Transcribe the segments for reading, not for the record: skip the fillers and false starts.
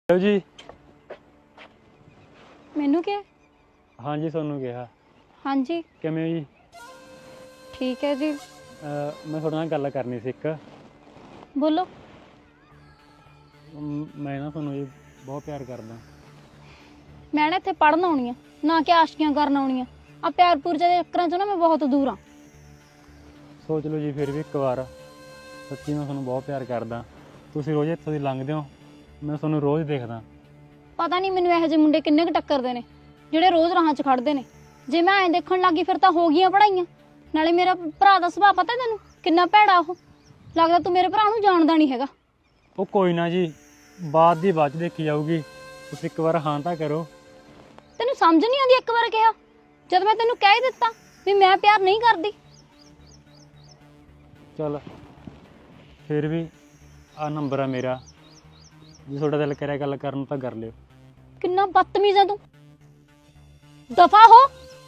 Hello जी। मैनू क्या? हाँ जी सोनू कहा। हाँ जी किवें हो जी? ठीक है जी। मैं थोड़े नाल गल करनी सी। बोलो। मैं ना सोनू जी बहुत प्यार करदा। मैं ना इत्थे पढ़न आउणी आ, ना कि आशिकियां करन आउणी आ। आ प्यार पूर दे चक्करां चों ना मैं बहुत दूर हाँ। सोच लो जी फिर भी एक बार, सच्ची मैं ਤੁਹਾਨੂੰ बहुत प्यार करदा। ਤੁਸੀਂ रोज़ ਇੱਥੋਂ ਦੀ ਲੰਘਦੇ ਹੋ, मैं ਤੁਹਾਨੂੰ रोज़ देखदा। पता नहीं मैनू ਇਹੋ ਜਿਹੇ ਮੁੰਡੇ किन्ने क टक्करदे ने ਜਿਹੜੇ रोज़ ਰਾਹਾਂ 'ਚ ਖੜਦੇ ਨੇ। ਜੇ ਮੈਂ ਐਂ ਦੇਖਣ ਲੱਗੀ ਫਿਰ ਤਾਂ ਹੋ ਗਈਆਂ ਪੜਾਈਆਂ। ਨਾਲੇ ਮੇਰਾ ਭਰਾ ਦਾ ਸੁਭਾਅ ਪਤਾ ਤੈਨੂੰ ਕਿੰਨਾ ਭੈੜਾ ਉਹ। ਲੱਗਦਾ ਤੂੰ ਮੇਰੇ ਭਰਾ ਨੂੰ ਜਾਣਦਾ ਨਹੀਂ ਹੈਗਾ। ਉਹ ਕੋਈ ਨਾ ਜੀ, ਬਾਅਦ ਦੀ ਬਾਅਦ 'ਚ ਦੇਖੀ ਜਾਊਗੀ। ਤੁਸੀਂ ਇੱਕ ਵਾਰ ਹਾਂ ਤਾਂ ਕਰੋ। ਤੈਨੂੰ ਸਮਝ ਨਹੀਂ ਆਉਂਦੀ ਇੱਕ ਵਾਰ ਕਿਹਾ, ਜਦ ਮੈਂ ਤੈਨੂੰ ਕਹਿ ਹੀ ਦਿੱਤਾ ਵੀ ਮੈਂ ਪਿਆਰ ਨਹੀਂ ਕਰਦੀ। ਚੱਲ ਫਿਰ ਵੀ ਆ ਨੰਬਰ ਆ ਮੇਰਾ, ਜੇ ਤੁਹਾਡਾ ਦਿਲ ਕਰਿਆ ਗੱਲ ਕਰਨ ਨੂੰ ਤਾਂ ਕਰ ਲਿਓ। ਕਿੰਨਾ ਬਦਤਮੀਜ਼ ਆ ਤੂੰ, ਦਫਾ ਹੋ।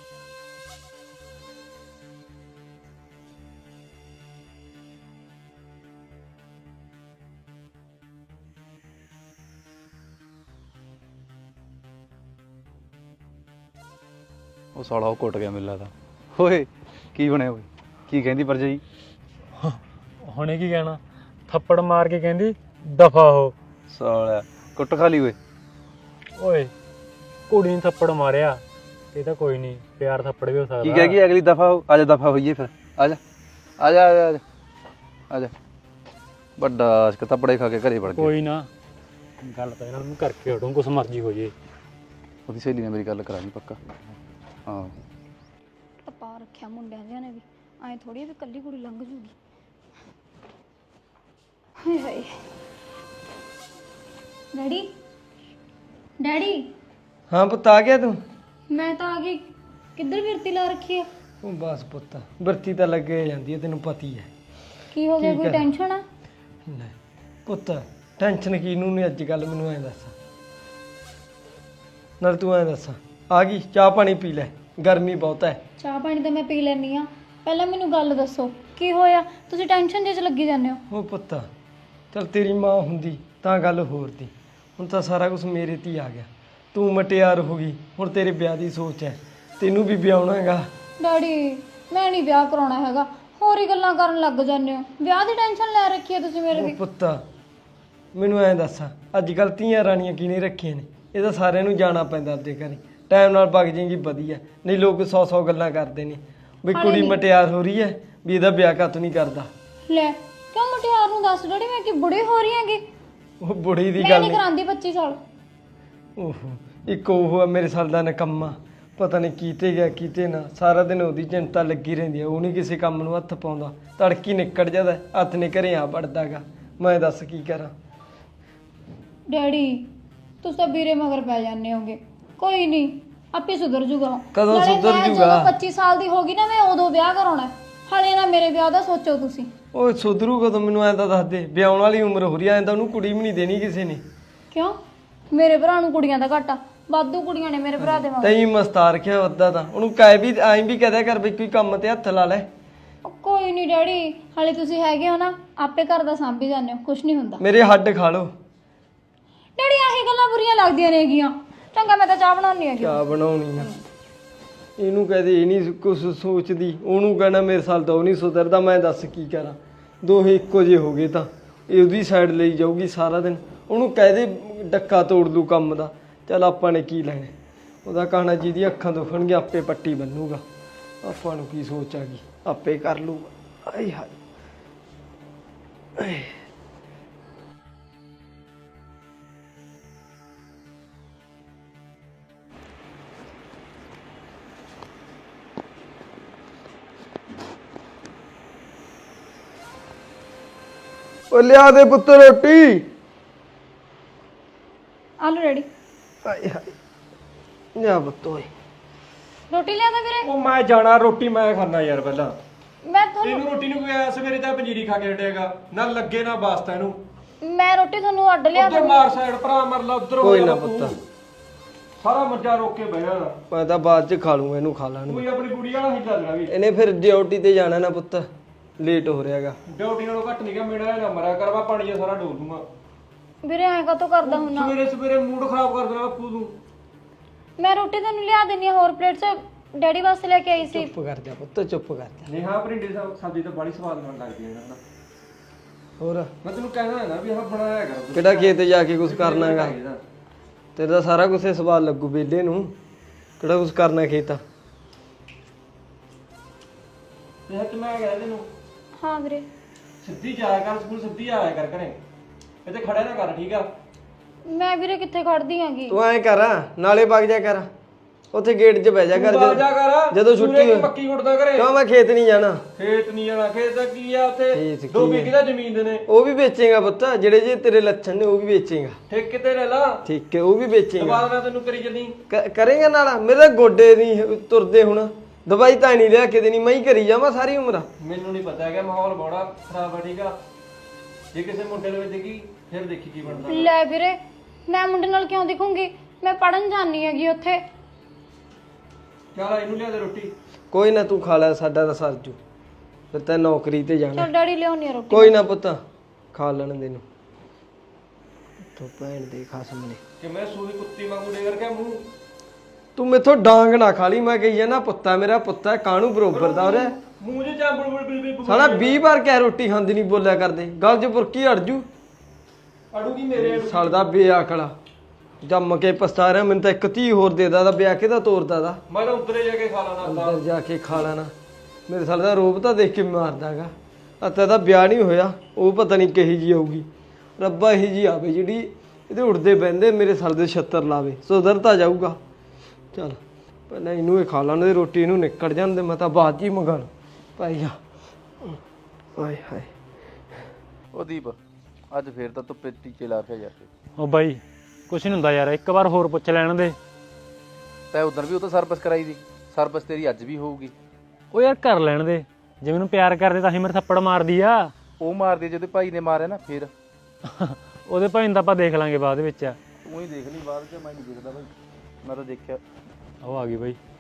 ਉਹ ਸਾਲਾ ਉਹ ਕੁੱਟ ਗਿਆ ਮੈਨੂੰ ਲੱਗਦਾ। ਓਏ ਕੀ ਬਣਿਆ ਓਏ? ਕੀ ਕਹਿੰਦੀ ਭਰਜਾਈ? ਹੁਣੇ ਕੀ ਕਹਿਣਾ, ਥੱਪੜ ਮਾਰ ਕੇ ਕਹਿੰਦੀ ਦਫਾ ਹੋ। ਸਾਲਾ ਕੁੱਟ ਖਾ ਲਈ ਓਏ। ਓਏ ਕੁੜੀ ਨੇ ਥੱਪੜ ਮਾਰਿਆ, ਇਹ ਤਾਂ ਕੋਈ ਨਹੀਂ, ਪਿਆਰ ਥੱਪੜ ਵੀ ਹੋ ਸਕਦਾ। ਕੀ ਕਹਿ ਗਈ ਅਗਲੀ ਦਫਾ ਹੋ? ਆ ਜਾ ਦਫਾ ਹੋਈਏ ਫਿਰ। ਆ ਜਾ ਆ ਜਾ ਆ ਜਾ ਆ ਜਾ। ਵੱਡਾ ਅਸ਼ਕ ਥੱਪੜੇ ਖਾ ਕੇ ਘਰੇ ਵੜ ਗਿਆ। ਕੋਈ ਨਾ, ਗੱਲ ਤਾਂ ਇਹਨਾਂ ਨੂੰ ਕਰਕੇ ਹਟੂੰ, ਕੁਛ ਮਰਜ਼ੀ ਹੋ ਜੇ। ਉਹਦੀ ਸਹੇਲੀ ਨੇ ਮੇਰੀ ਗੱਲ ਕਰਾਣੀ ਪੱਕਾ। ਹਾਂ ਟਪਾ ਰੱਖਿਆ ਮੁੰਡਿਆਂ ਜਿਆਂ ਨੇ ਵੀ, ਐਂ ਥੋੜੀ ਵੀ ਕੱਲੀ ਕੁੜੀ ਲੰਘ ਜੂਗੀ। ਹਾਏ ਹਾਏ। Daddy daddy. हाँ पुत्त आ गया तू? मैं तो आ गई। किधर फिरती ला रखी है? ਉਹ ਬਸ ਪੁੱਤ ਵਰਤੀ ਤਾਂ ਲੱਗੇ ਜਾਂਦੀ ਹੈ, ਤੈਨੂੰ ਪਤੀ ਹੈ। की हो गया, ठीक कोई है। टेंशन है? ਨਹੀਂ ਪੁੱਤ ਟੈਨਸ਼ਨ ਕਿਹਨੂੰ ਨਹੀਂ ਅੱਜ ਕੱਲ, ਮੈਨੂੰ ਐਂ ਦੱਸ। ਨਾਲ ਤੂੰ ਐਂ ਦੱਸ, ਆ ਗਈ ਚਾਹ ਪਾਣੀ ਪੀ ਲੈ, ਗਰਮੀ ਬਹੁਤ ਹੈ। ਚਾਹ ਪਾਣੀ ਤਾਂ ਮੈਂ ਪੀ ਲੈਣੀ ਆ, ਪਹਿਲਾਂ ਮੈਨੂੰ ਗੱਲ ਦੱਸੋ ਕੀ ਹੋਇਆ? ਤੁਸੀਂ ਟੈਨਸ਼ਨ ਜਿਹੇ ਚ ਲੱਗੀ ਜਾਂਦੇ ਹੋ। ਉਹ ਪੁੱਤ ਚਲ ਤੇਰੀ ਮਾਂ ਹੁੰਦੀ ਤਾਂ ਗੱਲ ਹੋਰ ਦੀ, ਹੁਣ ਤਾਂ ਸਾਰਾ ਕੁਝ ਮੇਰੇ ਤੇ ਹੀ ਆ ਗਿਆ। ਤੂੰ ਮਟਿਆਰ ਹੋ ਗਈ, ਹੁਣ ਤੇਰੇ ਵਿਆਹ ਦੀ ਸੋਚ ਹੈ, ਤੈਨੂੰ ਵੀ ਵਿਆਹਣਾ ਹੈਗਾ। ਡੈਡੀ ਮੈਂ ਨਹੀਂ ਵਿਆਹ ਕਰਾਉਣਾ ਹੈਗਾ, ਹੋਰ ਹੀ ਗੱਲਾਂ ਕਰਨ ਲੱਗ ਜਾਂਦੇ ਹੋ। ਵਿਆਹ ਦੀ ਟੈਨਸ਼ਨ ਲੈ ਰੱਖੀ ਹੈ ਤੁਸੀਂ ਮੇਰੇ ਉਹ ਦੀ। ਪੁੱਤ ਮੈਨੂੰ ਐਂ ਦੱਸ, ਅੱਜ ਕੱਲ ਧੀਆਂ ਰਾਣੀਆਂ ਕਿਹਨੇ ਰੱਖੀਆਂ ਨੇ? ਇਹ ਤਾਂ ਸਾਰਿਆਂ ਨੂੰ ਜਾਣਾ ਪੈਂਦਾ ਆਪਦੇ ਘਰੇ, ਟਾਈਮ ਨਾਲ ਵਗ ਜਾਏਗੀ ਵਧੀਆ, ਨਹੀਂ ਲੋਕ 100 ਗੱਲਾਂ ਕਰਦੇ ਨੇ ਵੀ ਕੁੜੀ ਮਟਿਆਰ ਹੋ ਰਹੀ ਹੈ, ਵੀ ਇਹਦਾ ਵਿਆਹ ਕਾਤੋਂ ਨਹੀਂ ਕਰਦਾ। ਲੈ ਕਿਉਂ ਮੁਟਿਆਰ ਨੂੰ ਦੱਸ ਡੈਡੀ, ਮੈਂ ਕੀ ਬੁੜੀ ਹੋ ਰਹੀ ਹੈਗੀ? ਉਹ ਬੁੜੀ ਦੀ ਮੈਂ ਗੱਲ ਨਹੀਂ ਨਹੀਂ। ਕਰਾਂਦੀ 25 ਸਾਲ। ਓਹੋ ਇੱਕ ਉਹ ਆ ਮੇਰੇ ਸਾਲ ਦਾ ਨਕੰਮਾ, ਪਤਾ ਨਹੀਂ ਕੀਤੇ ਗਿਆ ਕੀਤੇ ਨਾ, ਸਾਰਾ ਦਿਨ ਉਹਦੀ ਚਿੰਤਾ ਲੱਗੀ ਰਹਿੰਦੀ ਹੈ। ਉਹ ਨਹੀਂ ਕਿਸੇ ਕੰਮ ਨੂੰ ਹੱਥ ਪਾਉਂਦਾ, ਤੜਕੀ ਨਿਕਲ ਜਾਂਦਾ, ਹੱਥ ਨੇ ਘਰੇ ਆ ਵੜਦਾਗਾ। ਮੈਂ ਦੱਸ ਕੀ ਕਰਾਂ? ਡੈਡੀ ਤੁਸੀਂ ਤਾਂ ਵੀਰੇ ਮਗਰ ਪੈ ਜਾਂਦੇ ਹੋਗੇ, ਕੋਈ ਨਹੀਂ ਆਪੇ ਸੁਧਰ ਜੂਗਾ। ਕਦੋਂ ਨਾਲੇ ਸੁਧਰ ਮੈਂ ਜੂਗਾ? ਜਦੋਂ 25 ਸਾਲ ਦੀ ਹੋ ਗਈ ਨਾ, ਮੈਂ ਉਦੋਂ ਵਿਆਹ ਕਰਾਉਣਾ। ਹਾਲੇ ਨਾ ਮੇਰੇ ਵਿਆਹ ਦਾ ਸੋਚੋ ਤੁਸੀਂ। ਉਹ ਸੁਧਰੂ ਕਦੋਂ? ਮੈਨੂੰ ਐਂ ਤਾਂ ਦੱਸ ਦੇ, ਵਿਆਹਣ ਵਾਲੀ ਉਮਰ ਹੋ ਰਹੀ ਐ, ਐਂ ਤਾਂ ਉਹਨੂੰ ਕੁੜੀ ਵੀ ਨਹੀਂ ਦੇਣੀ ਕਿਸੇ ਨੇ। ਕਿਉਂ? ਮੇਰੇ ਭਰਾ ਨੂੰ ਕੁੜੀਆਂ ਦਾ ਘਾਟਾ, ਵਾਧੂ ਕੁੜੀਆਂ ਨੇ ਮੇਰੇ ਭਰਾ ਦੇ ਮਗਰ। ਤੈਂ ਮਸਤਾਰ ਰੱਖਿਆ ਅੱਧਾ ਤਾਂ, ਉਹਨੂੰ ਕਹਿ ਵੀ ਐਂ ਵੀ ਕਹਦਿਆ ਕਰ ਵੀ ਕੋਈ ਕੰਮ ਤੇ ਹੱਥ ਲਾ ਲੈ। ਕੋਈ ਨਹੀਂ ਡੈਡੀ, ਹਾਲੇ ਤੁਸੀਂ ਹੈਗੇ ਹੋ ਨਾ, ਆਪੇ ਘਰ ਦਾ ਸਾਂਭੀ ਜਾਂਦੇ ਹੋ, ਕੁਛ ਨਹੀਂ ਹੁੰਦਾ। ਮੇਰੇ ਹੱਡ ਖਾ ਲੋ। ਡੈਡੀ ਆਹੀ ਗੱਲਾਂ ਬੁਰੀਆਂ ਲੱਗਦੀਆਂ ਨੇਗੀਆਂ। ਚੰਗਾ ਮੈਂ ਤਾਂ ਚਾਹ ਬਣਾਉਣੀ ਹੈਗੀ। ਚਾਹ ਬਣਾਉਣੀ ਆ, ਇਹਨੂੰ ਕਹਦੇ ਇਹ ਨਹੀਂ ਕੁਛ ਸੋਚਦੀ, ਉਹਨੂੰ ਕਹਿਣਾ ਮੇਰੇ ਸਾਲ ਤਾਂ ਉਹ ਨਹੀਂ ਸੁਧਰਦਾ। ਮੈਂ ਦੱਸ ਕੀ ਕਰਾਂ, ਦੋਹੇ ਇੱਕੋ ਜਿਹੇ ਹੋ ਗਏ ਤਾਂ ਇਹ ਉਹਦੀ ਸਾਈਡ ਲਈ ਜਾਊਗੀ ਸਾਰਾ ਦਿਨ। ਉਹਨੂੰ ਕਹਦੇ ਡੱਕਾ ਤੋੜ ਲੂ ਕੰਮ ਦਾ, ਚੱਲ ਆਪਾਂ ਨੇ ਕੀ ਲੈਣਾ। ਉਹਦਾ ਕਹਣਾ ਜਿਹਦੀ ਅੱਖਾਂ ਦੁਖਣਗੀਆਂ ਆਪੇ ਪੱਟੀ ਬੰਨੂਗਾ, ਆਪਾਂ ਨੂੰ ਕੀ ਸੋਚ ਆ ਗਈ, ਆਪੇ ਕਰ ਲੂਗਾ। ਆਏ ਹਾਏ ਉਹ ਲਿਆ ਦੇ ਪੁੱਤ ਰੋਟੀ। ਆਲੂ ਡੈਡੀ ਆਏ ਹਾਏ ਲਿਆ ਪੁੱਤ ਓਏ। ਰੋਟੀ ਲਿਆ ਦੇ ਵੀਰੇ। ਉਹ ਮੈਂ ਜਾਣਾ, ਰੋਟੀ ਮੈਂ ਖਾਣਾ ਯਾਰ। ਪਹਿਲਾਂ ਮੈਂ ਤੁਹਾਨੂੰ ਤੈਨੂੰ ਰੋਟੀ ਨੂੰ ਕੋਈ ਸਵੇਰੇ ਤਾਂ ਪੰਜੀਰੀ ਖਾ ਕੇ ਹਟੇਗਾ, ਨਾ ਲੱਗੇ ਨਾ ਵਾਸਤਾ ਇਹਨੂੰ। ਮੈਂ ਰੋਟੀ ਤੁਹਾਨੂੰ ਅੱਡ ਲਿਆ ਉਧਰ ਮਾਰ ਸਾਈਡ ਭਰਾ ਮਰ ਲਾ, ਉਧਰ ਕੋਈ ਨਾ ਪੁੱਤ, ਸਾਰਾ ਮੱਜਾ ਰੋਕ ਕੇ ਬਹਿ ਜਾਣਾ। ਮੈਂ ਤਾਂ ਬਾਅਦ ਚ ਖਾ ਲੂੰਗਾ, ਇਹਨੂੰ ਖਾ ਲੈਣ। ਤੂੰ ਆਪਣੀ ਕੁੜੀ ਵਾਲਾ ਹਿੱਲਾ ਲੈਣਾ ਵੀ। ਇਹਨੇ ਫਿਰ ਡਿਊਟੀ ਤੇ ਜਾਣਾ ਨਾ ਪੁੱਤ, ਲੇਟ ਹੋ ਰਿਹਾਗਾ। ਡਿਊਟੀ ਨਾਲੋਂ ਘੱਟ ਨਹੀਂ ਗਾ, ਮੇਰਾ ਨਾ ਮਰਿਆ ਕਰਵਾ, ਪਾਣੀ ਜਿਹਾ ਸਾਰਾ ਡੋਲ ਦੂੰਗਾ। ਵੀਰੇ ਐਂ ਕਾਤੋਂ ਕਰਦਾ ਹੁੰਨਾ? ਸਵੇਰੇ ਸਵੇਰੇ ਮੂਡ ਖਰਾਬ ਕਰ ਦੇਣਾ ਬਾਪੂ ਤੂੰ। ਮੈਂ ਰੋਟੀ ਤੈਨੂੰ ਲਿਆ ਦਿੰਨੀ ਆ ਹੋਰ ਪਲੇਟ 'ਚ, ਡੈਡੀ ਵਾਸਤੇ ਲੈ ਕੇ ਆਈ ਸੀ। ਚੁੱਪ ਕਰ ਜਾ ਪੁੱਤ, ਚੁੱਪ ਕਰ ਜਾ। ਨਹੀਂ ਹਾਂ ਭਰਿੰਡੇ ਦੀ ਸਬਜ਼ੀ ਤਾਂ ਬੜੀ ਸਵਾਦ ਨਾਲ ਲੱਗਦੀ ਹੈ ਨਾ। ਹੋਰ ਮੈਂ ਤੈਨੂੰ ਕਹਿਣਾ ਹੈ ਨਾ ਵੀ ਆਹ ਬਣਾਇਆ ਕਰ। ਕਿਹੜਾ ਖੇਤ ਜਾ ਕੇ ਕੁਝ ਕਰਨਾਗਾ? ਤੇਰੇ ਦਾ ਸਾਰਾ ਕੁਝ ਸਵਾਲ ਲੱਗੂ ਬੇਲੇ ਨੂੰ। ਕਿਹੜਾ ਕੁਝ ਕਰਨਾ ਖੇਤ ਆ? ਤੇ ਹੱਥ ਮੈਂ ਕਹਿ ਤੈਨੂੰ ਹਾਂ ਵੀਰੇ। ਸਿੱਧੀ ਜਾਇਆ ਕਰ ਸਕੂਲ, ਸਿੱਧੀ ਆਇਆ ਕਰ ਘਰੇ, ਇੱਥੇ ਖੜਿਆ ਨਾ ਕਰ, ਠੀਕ ਆ? ਮੈਂ ਵੀਰੇ ਕਿੱਥੇ ਖੜਦੀ ਆਂਗੀ? ਤੂੰ ਐਂ ਕਰ, ਨਾਲੇ ਵਗ ਜਾ ਕਰ, ਉੱਥੇ ਗੇਟ 'ਚ ਬਹਿ ਜਾ ਕਰ ਤੂੰ ਜਾ ਕਰ ਜਦੋਂ ਛੁੱਟੀ ਸੂਰਜ ਹੋਏ। ਮੱਕੀ ਉੱਡਦਾ ਘਰੇ। ਕਿਉਂ ਮੈਂ ਖੇਤ ਨਹੀਂ ਜਾਣਾ? ਖੇਤ ਨਹੀਂ ਜਾਣਾ, ਖੇਤ ਦਾ ਕੀ ਆ ਉੱਥੇ? ਖੇਤ 2 ਕੀ ਵਿਗੇ ਦਾ ਜ਼ਮੀਨ ਦੇ ਨੇ, ਉਹ ਵੀ ਵੇਚੇਗਾ ਪੁੱਤ, ਜਿਹੜੇ ਜੇ ਤੇਰੇ ਲੱਛਣ ਨੇ ਉਹ ਵੀ ਵੇਚੇਗਾ। ਠੇਕੇ ਤੇ ਲੈ ਲਾ। ਠੀਕ ਹੈ, ਉਹ ਵੀ ਵੇਚੇਗਾ। ਦੁਬਾਰਾ ਮੈਂ ਤੈਨੂੰ ਕਰੀ ਜल्दी ਕਰੇਗਾ ਨਾਲ। ਮੇਰੇ ਤਾਂ ਗੋਡੇ ਨਹੀਂ ਤੁਰਦੇ ਹੁਣ, ਦਵਾਈ ਤਾਂ ਨਹੀਂ ਲਿਆ ਕੇ ਦੇਣੀ, ਮੈਂ ਹੀ ਕਰੀ ਜਾਵਾਂ ਸਾਰੀ ਉਮਰ। ਮੈਨੂੰ ਨਹੀਂ ਪਤਾ ਹੈਗਾ, ਮਾਹੌਲ ਬੜਾ ਖਰਾਬ ਆ, ਠੀਕ ਆ? ਜੇ ਕਿਸੇ ਮੁੰਡੇ ਨੂੰ ਦੇਖੀ ਫਿਰ ਦੇਖੀ ਕੀ ਬਣਦਾ। ਲੈ ਵੀਰੇ, ਮੈਂ ਮੁੰਡੇ ਨਾਲ ਕਿਉਂ ਦਿਖੂੰਗੀ? ਮੈਂ ਪੜਨ ਜਾਣੀ ਹੈਗੀ ਉੱਥੇ। ਚੱਲ ਇਹਨੂੰ ਲਿਆ ਦੇ ਰੋਟੀ। ਕੋਈ ਨਾ, ਤੂੰ ਖਾ ਲੈ, ਸਾਡਾ ਤਾਂ ਸਰਜੂ, ਫਿਰ ਤੈਂ ਨੌਕਰੀ ਤੇ ਜਾਣਾ। ਚਲ ਡੈਡੀ ਲਿਆਉਣੀ ਆ ਰੋਟੀ। ਕੋਈ ਨਾ ਪੁੱਤ, ਖਾ ਲੈਣ ਦੇ ਨੂੰ। ਤੂੰ ਭੈਣ ਦੇ ਖਸਮ ਨੇ, ਕਿ ਮੈਂ ਸੂਈ ਕੁੱਤੀ ਵਾਂਗੂ ਡੇਗਰ ਕੇ ਮੂੰਹ। ਤੂੰ ਮੇਥੋਂ ਡਾਂਗ ਨਾ ਖਾ ਲਈ। ਮੈਂ ਕਹੀ ਜਾਣਾ ਪੁੱਤਾ ਮੇਰਾ, ਪੁੱਤਾ ਕਾਹਨੂੰ ਬਰੋਬਰ ਦਾ ਉਹਰੇ। ਮੂੰਹ 'ਚ ਚਾਂਬੜ ਬਿਲ ਸਾਲਾ 20 ਵਾਰ ਕਹਿ ਰੋਟੀ ਖਾਂਦੀ ਨਹੀਂ ਬੋਲਿਆ ਕਰਦੇ, ਗਲ 'ਚ ਬੁਰਕੀ ਅੜ ਜੂ। ਅੜੂਗੀ ਮੇਰੇ ਸਾਲ ਦਾ ਬੇਅਕਲਾ, ਜੰਮ ਕੇ ਪਛਤਾ ਰਿਹਾ। ਮੈਨੂੰ ਤਾਂ ਇੱਕ ਧੀ ਹੋਰ ਦੇ ਦਾ, ਵਿਆਹ ਕੇ ਤਾਂ ਤੋਰਦਾ ਦਾ। ਮੈਂ ਤਾਂ ਉੱਤਰੇ ਜਾ ਕੇ ਖਾ ਲੈਣਾ ਹੁੰਦਾ। ਅੰਦਰ ਜਾ ਕੇ ਖਾ ਲੈਣਾ। ਮੇਰੇ ਸਾਲ ਦਾ ਰੋਬ ਤਾਂ ਦੇਖ ਕੇ ਮਾਰਦਾਗਾ। ਅੱਤਾ ਦਾ ਵਿਆਹ ਨਹੀਂ ਹੋਇਆ, ਉਹ ਪਤਾ ਨਹੀਂ ਕਿਹੀ ਜੀ ਆਊਗੀ। ਰੱਬਾ ਇਹੀ ਜੀ ਆਵੇ ਜਿਹੜੀ ਇਹਦੇ ਉੱਡਦੇ ਬਹਿੰਦੇ ਮੇਰੇ ਸਾਲ ਦੇ 76 ਲਾਵੇ, ਸੁਧਰ ਤਾਂ ਜਾਊਗਾ। ਚੱਲ ਪਹਿਲਾਂ ਇਹਨੂੰ ਇਹ ਖਾ ਲੈਣ ਦੇ ਰੋਟੀ, ਇਹਨੂੰ ਨਿਕਲ ਜਾਣ ਦੇ, ਮੈਂ ਤਾਂ ਬਾਅਦ 'ਚ ਹੀ ਮੰਗਾ ਲੂ ਭਾਈ ਜਾ। ਆਏ ਹਾਏ, ਉਹ ਦੀਪ ਅੱਜ ਫੇਰ ਤਾਂ ਧੁੱਪੇ ਟੀਕੇ ਲਾ ਕੇ ਜਾ ਕੇ। ਉਹ ਬਾਈ ਕੁਛ ਨਹੀਂ ਹੁੰਦਾ ਯਾਰ, ਇੱਕ ਵਾਰ ਹੋਰ ਪੁੱਛ ਲੈਣ ਦੇ। ਤੈਂ ਉਦੋਂ ਵੀ ਉਹ ਤਾਂ ਸਰਵਿਸ ਕਰਾਈ ਦੀ, ਸਰਵਿਸ ਤੇਰੀ ਅੱਜ ਵੀ ਹੋਊਗੀ। ਉਹ ਯਾਰ ਕਰ ਲੈਣ ਦੇ, ਜੇ ਮੈਨੂੰ ਪਿਆਰ ਕਰਦੇ ਤਾਂ ਹੀ ਮੇਰੇ ਥੱਪੜ ਮਾਰਦੀ ਆ। ਉਹ ਮਾਰਦੀ ਜਿਹਦੇ ਭਾਈ ਨੇ ਮਾਰਿਆ ਨਾ, ਫਿਰ ਉਹਦੇ ਭਾਈ ਨੂੰ ਤਾਂ ਆਪਾਂ ਦੇਖ ਲਾਂਗੇ ਬਾਅਦ ਵਿੱਚ। ਤੂੰ ਹੀ ਦੇਖ ਲਈ ਬਾਅਦ 'ਚ, ਮੈਂ ਨਹੀਂ ਦੇਖਦਾ ਭਾਈ, ਮੈਂ ਤਾਂ ਦੇਖਿਆ। ਉਹ ਆ ਗਈ ਬਾਈ।